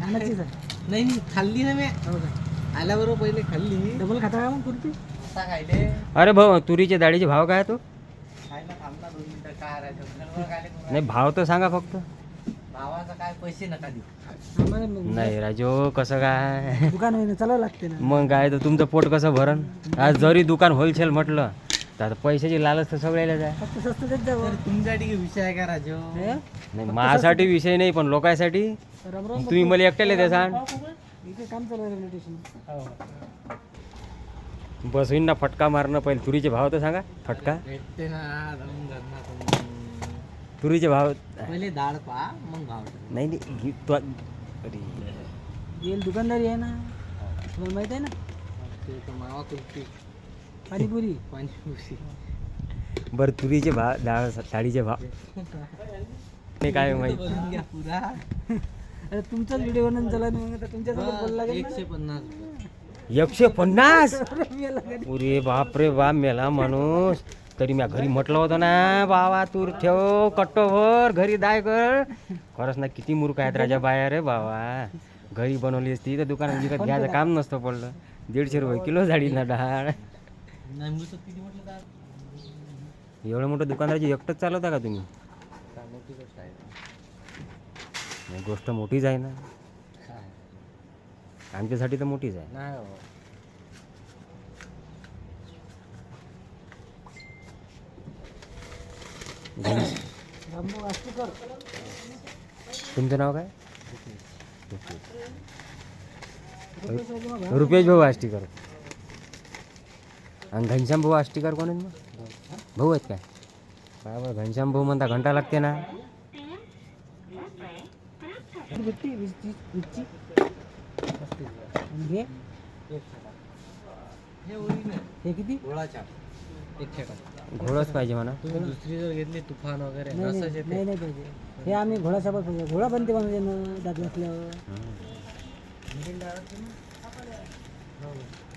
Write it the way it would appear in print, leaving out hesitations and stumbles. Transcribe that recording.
आणायचीच आहे. नाही नाही खाल्ली ना मी हो का? आल्याबरोबर पहिले खाल्ली. डबल खाता का मग कुर्ती? आता खायले अरे भाऊ तुरीच्या डाळीचे भाव काय आहे तो? खायला थांबला 2 मिनिटं काय राहायचं घरवर खायले करू नाही भाव तर सांगा फक्त. भावाचा काय पैसे नका देऊ. आम्हाला मग नाही राजू कसं काय दुकान आहे ना, चालावं लागते ना. मग काय तर तुमचं पोट कसं भरण. आज जरी दुकान होलसेल म्हटलं तर आता पैशाची लालच तर सगळ्याला जाय. फक्त स्वस्त देत जावं. तर तुमच्यासाठी विषय आहे का राजू? हे? नाही माझ्यासाठी विषय नाही पण लोकांसाठी राम राम. तुम्ही मला एकट्याला द्या सांग. इथे काम चालू आहे रेल्वे स्टेशन. बसवीन ना फटका मारणं पहिले. तुरीचे भाव तर सांगा फटका. भेटते ना जाऊन घरना तुम्ही. तुरीचे भाव पहिले डाळ पहा मग भाव ठरवा. नाही नाही अरे येईल दुकानदारी आहे ना, तुम्हाला माहित आहे ना. ते तर मावा कुर्ती पाणीपुरी. पाणीपुरी. बरं तुरीचे भाव डाळ साडीचे भाव ते काय माहिती. बोलून घ्या पुरा. अरे तुमचाच व्हिडिओ बनवून चला ना, मग आता तुमच्यासोबत बोलायला लागेल ना. 150 रुपये. 150. अरे मी लागेल. अरे बाप रे बाप मेला माणूस. तरी मी घरी म्हटलं होतं ना बाबा तूर ठेव कट्टोभर घरी दाय कर. खरंच ना किती मूर्ख आहेत राजा बाया रे बाबा. घरी बनवली असती तर दुकानात विकत घ्यायचं काम नसतं पडलं. 150 रुपये किलो झाली ना डाळ. नाही मी तर किती म्हटलं डाळ. एवढं मोठं दुकानदाराची एकटंच चालवता का तुम्ही? काय मोठी गोष्ट आहे. नाही, गोष्ट मोठीच आहे ना. काय आमच्यासाठी तर मोठीच आहे. नाही हो. रामभाऊ आष्टीकर. तुमचं नाव काय? रुपेश आहे किंवा भाऊ? रुपेश भाऊ आष्टीकर. आणि घनश्याम भाऊ आष्टीकर कोण आहेत मग? भाऊ आहेत काय? बरोबर घनश्याम भाऊ म्हणता घंटा लागते ना. किती भेटते? 20ची. आणि हे? एक छटा. हे होईल ना हे किती? गोळाच्या एक छटा. घोडच पाहिजे म्हणा. तुम्ही दुसरी जर घेतली तुफान वगैरे नाही रसच नाही येते. नाही नाही पाहिजे. हे आम्ही घोडासोबत पाहिजे. घोडा बनते म्हणजे ना दात घातल्यावर. हम्म. मिरची डाळ असते ना? हो.